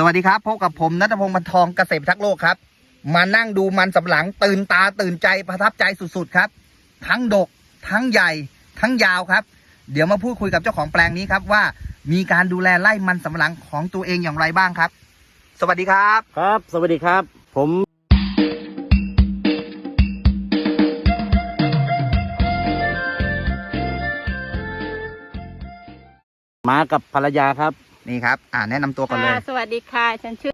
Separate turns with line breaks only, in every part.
วัสดีครับพบกับผมณัฐพงศ์ บรรทองเกษตรทักษ์โลกครับมานั่งดูมันสำปะหลังตื่นตาตื่นใจประทับใจสุดๆครับทั้งดกทั้งใหญ่ทั้งยาวครับเดี๋ยวมาพูดคุยกับเจ้าของแปลงนี้ครับว่ามีการดูแลไร่มันสำปะหลังของตัวเองอย่างไรบ้างครับสวัสดีครับ
ครับสวัสดีครับผมมากับภรรยาครับ
นี่ครับแนะนำตัวก่อนเลย
สวัสดีค่ะฉันชื่อ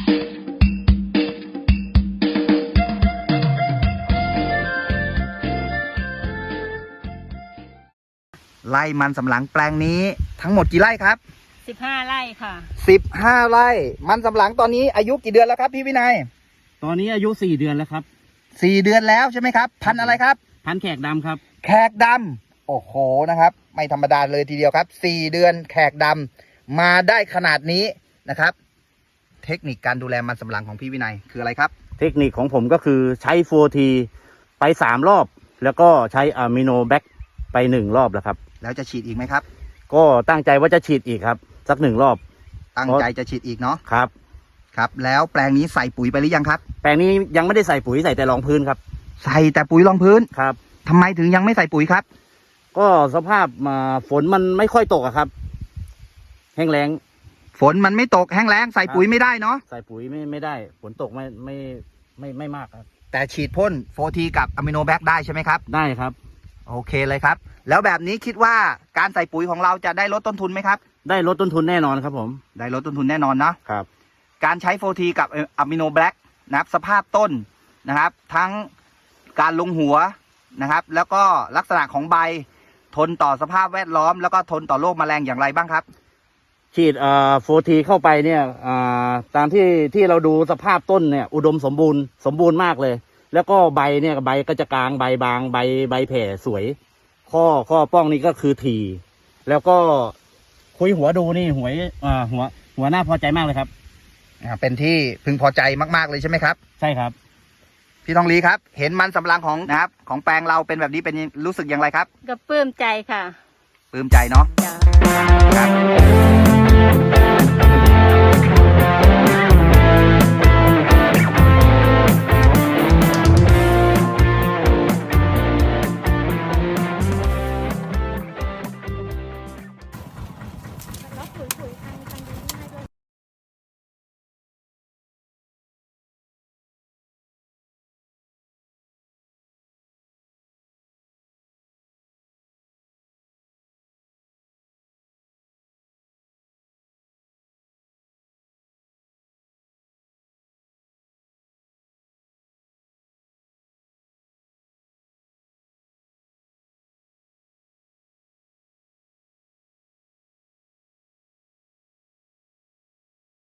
ไร่มันสำปะหลังแปลงนี้ทั้งหมดกี่ไร่ครับ
15 ไร่ค่ะ
15ไร่มันสำปะหลังตอนนี้อายุกี่เดือนแล้วครับพี่วินัย
ตอนนี้อายุ4 เดือนแล้วครับ
4 เดือนแล้วใช่ไหมครับพันธุ์อะไรครับ
พันธุ์แขกดำครับ
แขกดำโอ้โหนะครับไม่ธรรมดาเลยทีเดียวครับ4 เดือนแขกดำมาได้ขนาดนี้นะครับเทคนิคการดูแลมันสำปะหลังของพี่วินัยคืออะไรครับ
เทคนิคของผมก็คือใช้ 4T ไป3 รอบแล้วก็ใช้อะมิโนแบคไป1 รอบแล้วครับ
แล้วจะฉีดอีกไหมครับ
ก็ตั้งใจว่าจะฉีดอีกครับสัก1 รอบ
ตั้งใจจะฉีดอีกเนาะ
ครับ
ครับแล้วแปลงนี้ใส่ปุ๋ยไปหรือยังครับ
แปลงนี้ยังไม่ได้ใส่ปุ๋ยใส่แต่รองพื้นครับ
ใส่แต่ปุ๋ยรองพื้น
ครับ
ทำไมถึงยังไม่ใส่ปุ๋ยครับ
ก็สภาพฝนมันไม่ค่อยตกอะครับแห้งแล้ง
ฝนมันไม่ตกแห้งแล้งใส่ปุ๋ยไม่ได้เนาะ
ใส่ปุ๋ยไม่ได้ฝนตกไม่มากครับ
แต่ฉีดพ่น4Tกับอะมิโนแบคได้ใช่ไหมครับ
ได้ครับ
โอเคเลยครับแล้วแบบนี้คิดว่าการใส่ปุ๋ยของเราจะได้ลดต้นทุนไหมครับ
ได้ลดต้นทุนแน่นอนครับผม
ได้ลดต้นทุนแน่นอนนะครับการใช้4Tกับอะมิโนแบคนะครับสภาพต้นนะครับทั้งการลงหัวนะครับแล้วก็ลักษณะของใบทนต่อสภาพแวดล้อมแล้วก็ทนต่อโรคแมลงอย่างไรบ้างครับ
ฉีด4Tเข้าไปเนี่ยตามที่เราดูสภาพต้นเนี่ยอุดมสมบูรณ์มากเลยแล้วก็ใบเนี่ยใบก็จะกลางใบบางใบแผ่สวยข้อป้องนี่ก็คือถี่แล้วก็คุยหัวดูนี่หัวหน้าพอใจมากเลยครับ
เป็นที่พึงพอใจมากๆเลยใช่ไหมครับ
ใช่ครับ
พี่ทองลีครับเห็นมันสำปะหลังของนะครับของแปลงเราเป็นแบบนี้เป็นรู้สึกอย่างไรครับ
ก็ปลื้มใจค่ะ
ปลื้มใจเนาะครับ